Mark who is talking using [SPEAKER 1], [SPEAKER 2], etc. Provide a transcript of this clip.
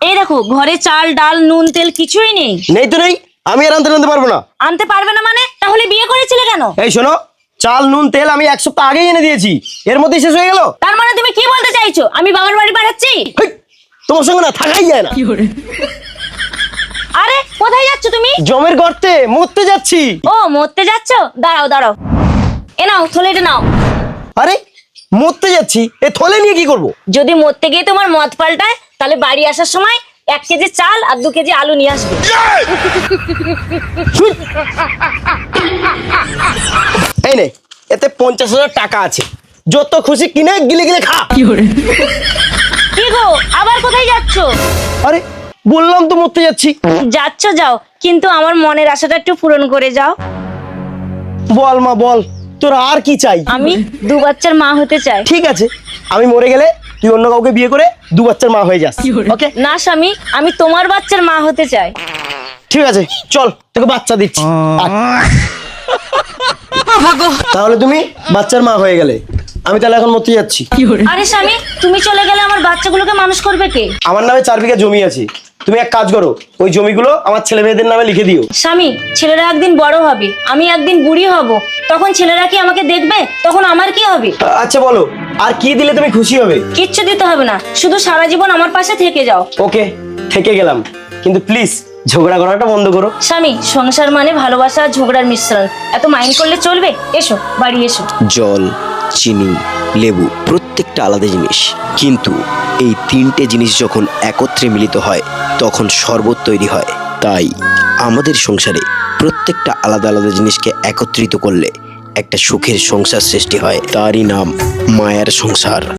[SPEAKER 1] এই দেখো ঘরে চাল ডাল নুন তেল কিছুই নেই।
[SPEAKER 2] নেই তো নেই, আমি আর আনতে পারবো না।
[SPEAKER 1] আনতে পারবে না মানে? তাহলে বিয়ে করেছিলে কেন?
[SPEAKER 2] এই শোনো, চাল নুন তেল আমি 1 সপ্তাহ আগেই এনে দিয়েছি, এর মধ্যে শেষ হয়ে গেল।
[SPEAKER 1] তার মানে তুমি কি বলতে চাইছো আমি বাবার বাড়ি পাঠাচ্ছি?
[SPEAKER 2] হেই, তোমার সঙ্গে না থাকাই যায় না।
[SPEAKER 1] আরে কোথায় যাচ্ছ তুমি?
[SPEAKER 2] জমের গর্তে মরতে যাচ্ছি।
[SPEAKER 1] ও মরতে যাচ্ছো, দাঁড়াও দাঁড়াও, এ নাও থলেটা নাও।
[SPEAKER 2] আরে মরতে যাচ্ছি, এ থলে নিয়ে কি করব?
[SPEAKER 1] যদি মরতে গিয়ে তোমার মত পাল্টায় তাহলে বাড়ি আসার সময় 1 কেজি চাল আর 2 কেজি আলু নিয়ে আসবে।
[SPEAKER 2] এই নে, এতে 50,000 টাকা আছে, যত খুশি কিনে গিলে গিলে খা।
[SPEAKER 1] কি গো আবার কোথায় যাচ্ছো?
[SPEAKER 2] আরে বললাম তো মরতে যাচ্ছি।
[SPEAKER 1] যাচ্ছো যাও, কিন্তু আমার মনের আশাটা একটু পূরণ করে যাও।
[SPEAKER 2] বল মা বল, তোর আর কি চাই?
[SPEAKER 1] আমি 2 বাচ্চার মা হতে চাই।
[SPEAKER 2] ঠিক আছে, আমি মরে গেলে তুই অন্য কাউকে বিয়ে করে 2 বাচ্চার মা হয়ে যাস। ওকে?
[SPEAKER 1] না স্বামী, আমি তোমার বাচ্চার মা হতে চাই।
[SPEAKER 2] ঠিক আছে, চল তোকে বাচ্চা দিচ্ছি। আয়। তাহলে তুমি বাচ্চার মা হয়ে গেলে, আমি তাহলে এখন মরতে যাচ্ছি।
[SPEAKER 1] আরে স্বামী, তুমি চলে গেলে আমার বাচ্চাগুলোকে মানুষ করবে কে?
[SPEAKER 2] আমার নামে 4 বিঘা জমি আছে, তুমি এক কাজ করো, ওই জমিগুলো আমার ছেলে মেয়েদের নামে লিখে দিও।
[SPEAKER 1] স্বামী, ছেলেরা একদিন বড় হবে, আমি একদিন বুড়ি হব, তখন ছেলেরা কি আমাকে দেখবে? তখন আমার কি হবে?
[SPEAKER 2] আচ্ছা বলো, আর কি দিলে তুমি খুশি হবে?
[SPEAKER 1] কিচ্ছু দিতে হবে না, শুধু সারা জীবন আমার পাশে থেকে যাও।
[SPEAKER 2] ওকে, থেকে গেলাম, কিন্তু প্লিজ ঝগড়া করাটা বন্ধ করো।
[SPEAKER 1] স্বামী, সংসার মানে ভালোবাসা আর ঝগড়ার মিশ্রণ, এত মাইন্ড করলে চলবে? এসো বাড়ি এসো।
[SPEAKER 3] জল, চিনি, লেবু প্রত্যেকটা আলাদা জিনিস, কিন্তু এই 3টে জিনিস যখন একত্রে মিলিত হয় তখন শরবত তৈরি হয়। তাই আমাদের সংসারে প্রত্যেকটা আলাদা আলাদা জিনিসকে একত্রিত করলে একটা সুখের সংসার সৃষ্টি হয়, তারই নাম মায়ার সংসার।